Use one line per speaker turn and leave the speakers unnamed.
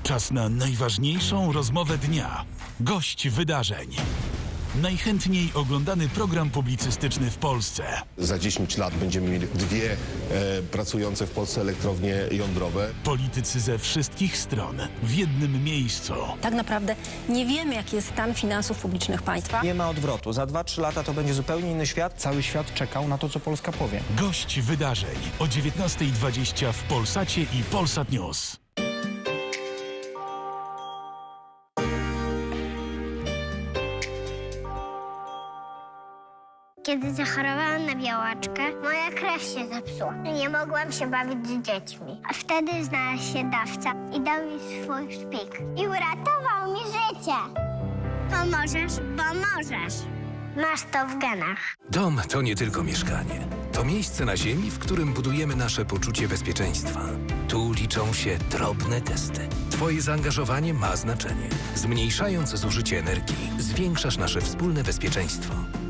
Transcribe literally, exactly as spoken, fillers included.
Czas na najważniejszą rozmowę dnia. Gość wydarzeń. Najchętniej oglądany program publicystyczny w Polsce.
Za dziesięć lat będziemy mieli dwie e, pracujące w Polsce elektrownie jądrowe.
Politycy ze wszystkich stron w jednym miejscu.
Tak naprawdę nie wiemy, jaki jest stan finansów publicznych państwa.
Nie ma odwrotu. Za dwa trzy lata to będzie zupełnie inny świat.
Cały świat czekał na to, co Polska powie.
Gość wydarzeń o dziewiętnasta dwadzieścia w Polsacie i Polsat News.
Kiedy zachorowałam na białaczkę, moja krew się zepsuła. Nie mogłam się bawić z dziećmi. A wtedy znalazł się dawca i dał mi swój szpik. I uratował mi życie. Pomożesz, bo możesz. Masz to w genach.
Dom to nie tylko mieszkanie. To miejsce na ziemi, w którym budujemy nasze poczucie bezpieczeństwa. Tu liczą się drobne gesty. Twoje zaangażowanie ma znaczenie. Zmniejszając zużycie energii, zwiększasz nasze wspólne bezpieczeństwo.